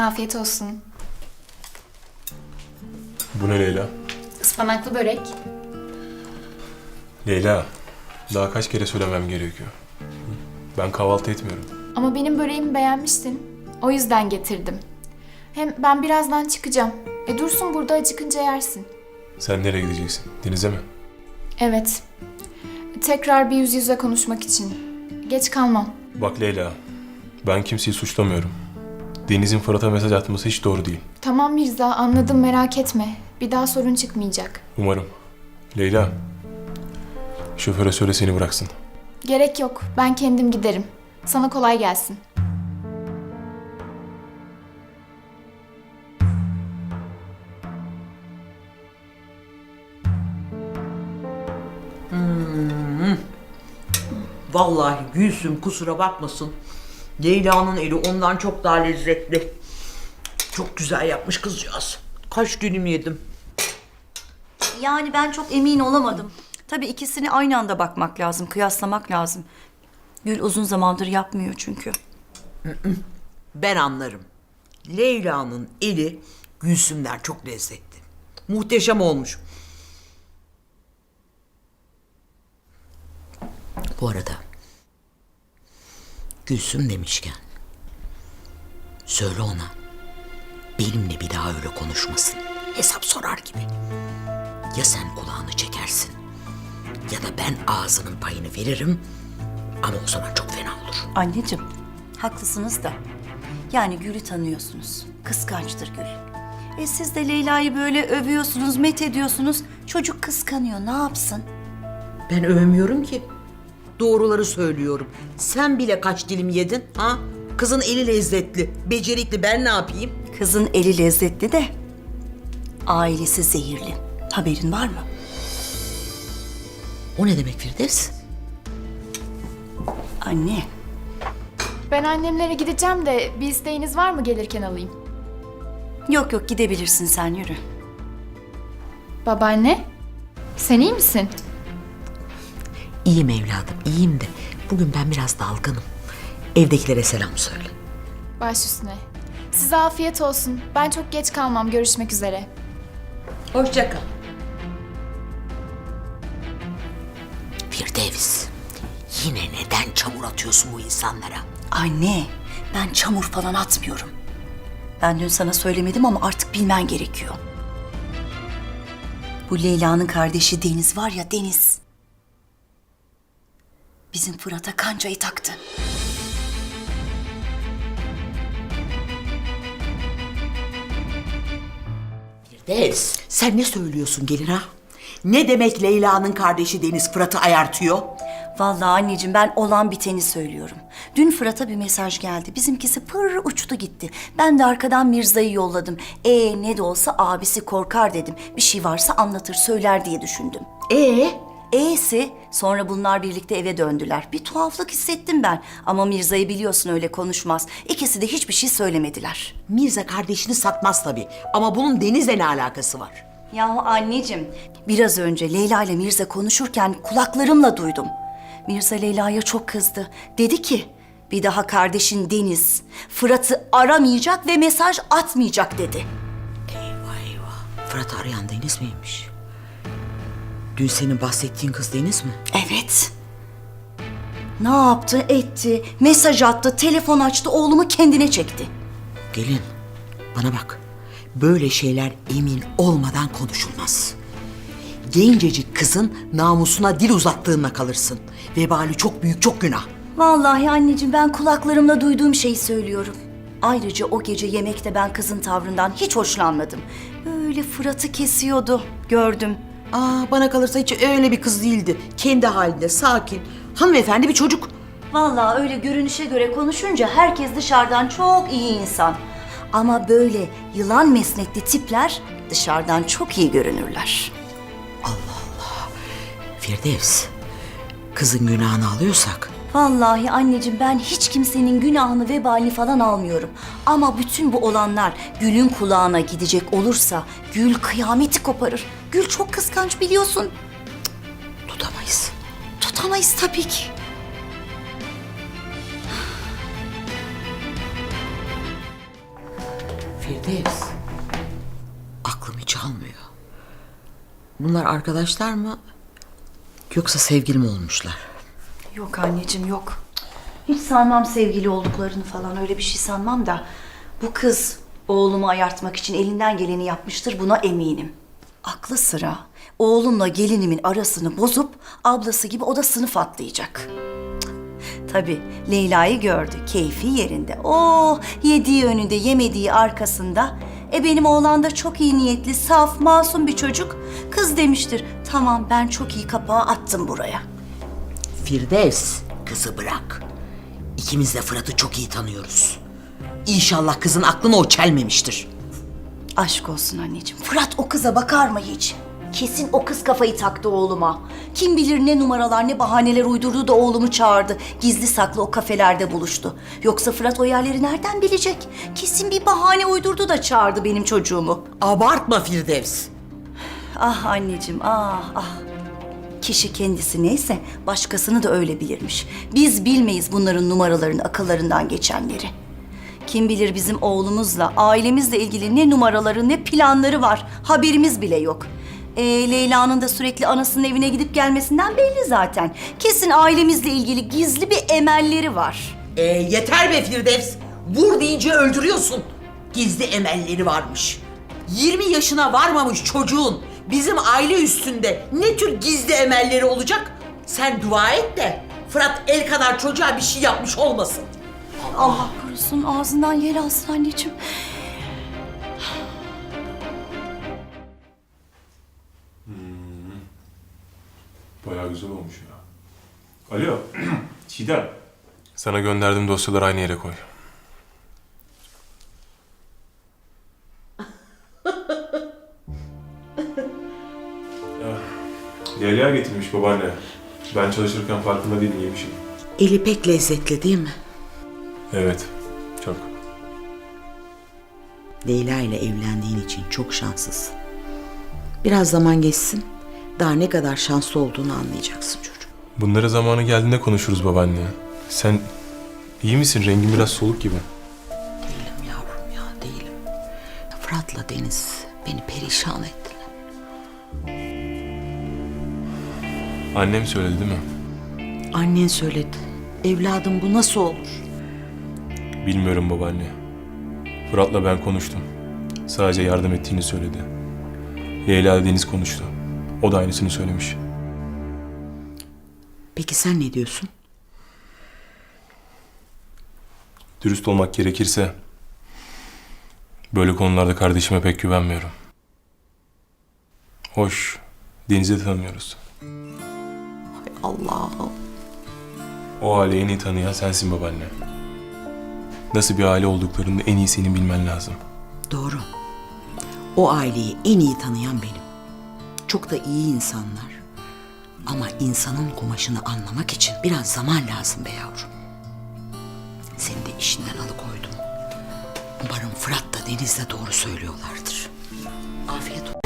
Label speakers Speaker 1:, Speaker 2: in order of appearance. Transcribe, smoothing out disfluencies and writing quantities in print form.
Speaker 1: Afiyet olsun.
Speaker 2: Bu ne Leyla?
Speaker 1: Ispanaklı börek.
Speaker 2: Leyla, daha kaç kere söylemem gerekiyor? Ben kahvaltı etmiyorum.
Speaker 1: Ama benim böreğimi beğenmiştin. O yüzden getirdim. Hem ben birazdan çıkacağım. Dursun burada, acıkınca yersin.
Speaker 2: Sen nereye gideceksin? Denize mi?
Speaker 1: Evet. Tekrar bir yüz yüze konuşmak için. Geç kalmam.
Speaker 2: Bak Leyla, ben kimseyi suçlamıyorum. Deniz'in Fırat'a mesaj atması hiç doğru değil.
Speaker 1: Tamam Mirza, anladım, merak etme. Bir daha sorun çıkmayacak.
Speaker 2: Umarım. Leyla, şoföre söyle seni bıraksın.
Speaker 1: Gerek yok. Ben kendim giderim. Sana kolay gelsin.
Speaker 3: Vallahi Gülsüm kusura bakmasın. Leyla'nın eli ondan çok daha lezzetli. Çok güzel yapmış kızcağız. Kaç dilim yedim.
Speaker 4: Yani ben çok emin olamadım. Tabii ikisini aynı anda bakmak lazım, kıyaslamak lazım. Gül uzun zamandır yapmıyor çünkü.
Speaker 3: Ben anlarım. Leyla'nın eli Gülsüm'den çok lezzetli. Muhteşem olmuş. Bu arada Gülsüm demişken söyle ona benimle bir daha öyle konuşmasın. Hesap sorar gibi. Ya sen kulağını çekersin ya da ben ağzının payını veririm ama o zaman çok fena olur.
Speaker 4: Anneciğim, haklısınız da. Yani Gül'ü tanıyorsunuz. Kıskançtır Gül. Siz de Leyla'yı böyle övüyorsunuz, met ediyorsunuz. Çocuk kıskanıyor, ne yapsın?
Speaker 3: Ben övmüyorum ki. Doğruları söylüyorum. Sen bile kaç dilim yedin ha? Kızın eli lezzetli, becerikli. Ben ne yapayım?
Speaker 4: Kızın eli lezzetli de ailesi zehirli. Haberin var mı?
Speaker 3: O ne demek Firdevs?
Speaker 4: Anne,
Speaker 1: Ben annemlere gideceğim de bir isteğiniz var mı, gelirken alayım?
Speaker 4: yok yok gidebilirsin sen, yürü.
Speaker 1: Babaanne, sen iyi misin?
Speaker 3: İyiyim evladım, iyiyim de bugün ben biraz dalgınım. Evdekilere selam söyle.
Speaker 1: Baş üstüne. Size afiyet olsun. Ben çok geç kalmam. Görüşmek üzere.
Speaker 3: Hoşça kal. Firdevs, yine neden çamur atıyorsun bu insanlara?
Speaker 4: Anne, ben çamur falan atmıyorum. Ben dün sana söylemedim ama artık bilmen gerekiyor. Bu Leyla'nın kardeşi Deniz var ya, Deniz. Bizim Fırat'a kancayı taktı.
Speaker 3: Firdevs, sen ne söylüyorsun gelin ha? Ne demek Leyla'nın kardeşi Deniz Fırat'ı ayartıyor?
Speaker 4: Vallahi anneciğim, ben olan biteni söylüyorum. Dün Fırat'a bir mesaj geldi. Bizimkisi pır uçtu gitti. Ben de arkadan Mirza'yı yolladım. Ne de olsa abisi korkar dedim. Bir şey varsa anlatır söyler diye düşündüm. E'si sonra bunlar birlikte eve döndüler. Bir tuhaflık hissettim ben. Ama Mirza'yı biliyorsun, öyle konuşmaz. İkisi de hiçbir şey söylemediler.
Speaker 3: Mirza kardeşini satmaz tabii. Ama bunun Deniz'le ne alakası var?
Speaker 4: Yahu anneciğim, biraz önce Leyla ile Mirza konuşurken kulaklarımla duydum. Mirza Leyla'ya çok kızdı. Dedi ki, bir daha kardeşin Deniz Fırat'ı aramayacak ve mesaj atmayacak dedi.
Speaker 3: Eyvah eyvah. Fırat'ı arayan Deniz miymiş? Dün senin bahsettiğin kız Deniz mi?
Speaker 4: Evet. Ne yaptı, etti, mesaj attı, telefon açtı, oğlumu kendine çekti.
Speaker 3: Gelin, bana bak. Böyle şeyler emin olmadan konuşulmaz. Gencecik kızın namusuna dil uzattığınla kalırsın. Vebali çok büyük, çok günah.
Speaker 4: Vallahi anneciğim, ben kulaklarımla duyduğum şeyi söylüyorum. Ayrıca o gece yemekte ben kızın tavrından hiç hoşlanmadım. Böyle Fırat'ı kesiyordu, gördüm.
Speaker 3: Bana kalırsa hiç öyle bir kız değildi. Kendi halinde, sakin, hanımefendi bir çocuk.
Speaker 4: Vallahi öyle görünüşe göre konuşunca herkes dışarıdan çok iyi insan. Ama böyle yılan mesnetli tipler dışarıdan çok iyi görünürler.
Speaker 3: Firdevs, kızın günahını alıyorsak...
Speaker 4: Vallahi anneciğim, ben hiç kimsenin günahını, vebalini falan almıyorum. Ama bütün bu olanlar Gül'ün kulağına gidecek olursa Gül kıyameti koparır. Gül çok kıskanç, biliyorsun.
Speaker 3: Tutamayız.
Speaker 4: Tutamayız tabii ki.
Speaker 3: Firdevs. Aklım hiç almıyor. Bunlar arkadaşlar mı? Yoksa sevgili mi olmuşlar?
Speaker 4: Yok anneciğim yok. Hiç sanmam sevgili olduklarını falan, öyle bir şey sanmam da. Bu kız oğlumu ayartmak için elinden geleni yapmıştır, buna eminim. Aklı sıra oğlumla gelinimin arasını bozup ablası gibi o da sınıf atlayacak. Tabii Leyla'yı gördü, keyfi yerinde. Oh, yediği önünde, yemediği arkasında. Benim oğlan da çok iyi niyetli, saf, masum bir çocuk. Kız demiştir, tamam ben çok iyi kapağı attım buraya.
Speaker 3: Firdevs, kızı bırak. İkimiz de Fırat'ı çok iyi tanıyoruz. İnşallah kızın aklına o çelmemiştir.
Speaker 4: Aşk olsun anneciğim. Fırat o kıza bakar mı hiç? Kesin o kız kafayı taktı oğluma. Kim bilir ne numaralar, ne bahaneler uydurdu da oğlumu çağırdı. Gizli saklı o kafelerde buluştu. Yoksa Fırat o yerleri nereden bilecek? Kesin bir bahane uydurdu da çağırdı benim çocuğumu.
Speaker 3: Abartma Firdevs.
Speaker 4: Ah anneciğim, ah ah. Kişi kendisi neyse başkasını da öyle bilirmiş. Biz bilmeyiz bunların numaralarını, akıllarından geçenleri. Kim bilir bizim oğlumuzla, ailemizle ilgili ne numaraları, ne planları var. Haberimiz bile yok. Leyla'nın da sürekli anasının evine gidip gelmesinden belli zaten. Kesin ailemizle ilgili gizli bir emelleri var.
Speaker 3: Yeter be Firdevs. Vur deyince öldürüyorsun. Gizli emelleri varmış. 20 yaşına varmamış çocuğun bizim aile üstünde ne tür gizli emelleri olacak? Sen dua et de Fırat el kadar çocuğa bir şey yapmış olmasın.
Speaker 4: Allah korusun, ağzından yel alsın anneciğim.
Speaker 2: Bayağı güzel olmuş ya. Alo, Çiğdem. Sana gönderdiğim dosyaları aynı yere koy. Leyla getirmiş babaanne. Ben çalışırken farkında değilim, yemişim.
Speaker 3: Eli pek lezzetli değil mi?
Speaker 2: Evet, çok.
Speaker 3: Leyla ile evlendiğin için çok şanslısın. Biraz zaman geçsin, daha ne kadar şanslı olduğunu anlayacaksın çocuğum.
Speaker 2: Bunları zamanı geldiğinde konuşuruz babaanne. Sen iyi misin? Rengin biraz soluk gibi.
Speaker 3: Değilim yavrum ya, değilim. Fırat'la Deniz beni perişan ettiler.
Speaker 2: Annem söyledi değil mi?
Speaker 3: Annen söyledi. Evladım bu nasıl olur?
Speaker 2: Bilmiyorum babaanne. Fırat'la ben konuştum. Sadece yardım ettiğini söyledi. Leyla ile Deniz konuştu. O da aynısını söylemiş.
Speaker 3: Peki sen ne diyorsun?
Speaker 2: Dürüst olmak gerekirse böyle konularda kardeşime pek güvenmiyorum. Hoş, Deniz'i de tanımıyoruz.
Speaker 3: Hay Allah'ım.
Speaker 2: O aileyi en iyi tanıyan sensin babaanne. Nasıl bir aile olduklarını da en iyi senin bilmen lazım.
Speaker 3: Doğru. O aileyi en iyi tanıyan benim. Çok da iyi insanlar. Ama insanın kumaşını anlamak için biraz zaman lazım be yavrum. Seni de işinden alıkoydum. Umarım Fırat da Deniz de doğru söylüyorlardır. Afiyet olsun.